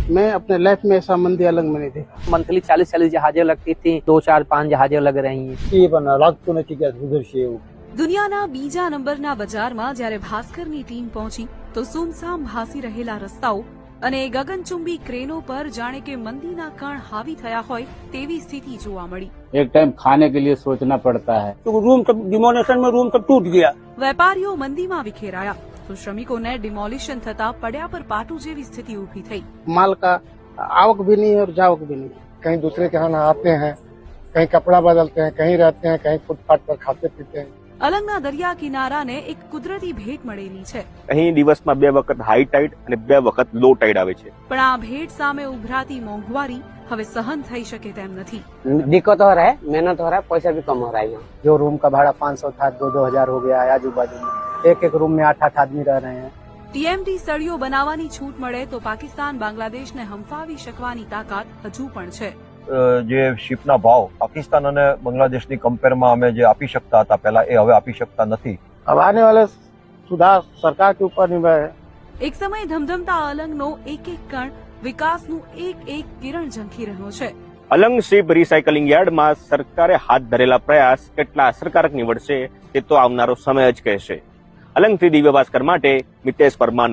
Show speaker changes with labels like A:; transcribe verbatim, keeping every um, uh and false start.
A: मैं अपने लाइफ में ऐसा मंदी अलग में नहीं देखा।
B: मंथली चालीस चालीस जहाजें लगती थी, दो चार पांच जहाजें लग रही हैं।
C: એ પણ લાગતું નથી કે સુધરશે એવું।
D: દુનિયાના બીજા નંબરના બજારમાં જ્યારે ભાસ્કરની ટીમ પહોંચી તો સુમસામ ભાસી રહેલા રસ્તાઓ અને ગગનચુંબી ક્રેનો પર જાણે કે મંદીના કણ હાવી થયા હોય તેવી સ્થિતિ જોવા મળી।
E: एक टाइम खाने के लिए सोचना पड़ता है।
C: तो रूम सब डिमोनेशन में रूम सब टूट गया।
D: વેપારીઓ મંદીમાં વિખેરાયા તો શ્રમિકોને ડિમોલિશન થતા પડ્યા પર પાટું જેવી સ્થિતિ ઊભી થઈ।
A: माल का आवक भी नहीं और जावक भी नहीं।
F: कहीं दूसरे के यहाँ आते हैं, कहीं कपड़ा बदलते हैं, कहीं रहते हैं, कहीं फुटपाथ पर खाते पीते हैं।
D: અલંગના દરિયા કિનારાને એક કુદરતી ભેટ મળેલી છે,
G: અહીં દિવસમાં બે વખત હાઈ ટાઈડ અને બે વખત લો ટાઈડ આવે છે।
D: પણ આ ભેટ સામે ઉભરાતી મોંઘવારી હવે सहन થઈ શકે તેમ નથી।
B: दिक्कत हो रहा है, मेहनत हो रहा है, पैसा भी कम हो रहा है। यहाँ
A: जो रूम का भाड़ा पाँच सौ था दो दो हजार हो गया है आजू बाजू में। एक एक रूम में आठ आठ आदमी रह रहे हैं।
D: ટીએમટી સળિયો બનાવવાની છૂટ મળે તો પાકિસ્તાન બાંગ્લાદેશને હંફાવી શકવાની તાકાત હજુ પણ છે।
H: જે શિપના ભાવ પાકિસ્તાન અને બાંગ્લાદેશની કમ્પેરમાં અમે જે આપી શકતા હતા પહેલા એ હવે આપી શકતા નથી।
A: अब आने वाले सुधार सरकार के ऊपर निर्भर है।
D: એક સમય ધમધમતા અલંગનો એક એક કણ વિકાસનું એક એક કિરણ ઝંખી રહ્યો છે।
G: અલંગ શિપ રિસાયકલિંગ યાર્ડમાં સરકારે હાથ ધરેલા પ્રયાસ કેટલા અસરકારક નીવડશે તે તો આવનારો સમય જ કહેશે। અલંગથી દિવ્ય ભાસ્કર માટે મિતેશ પરમાર।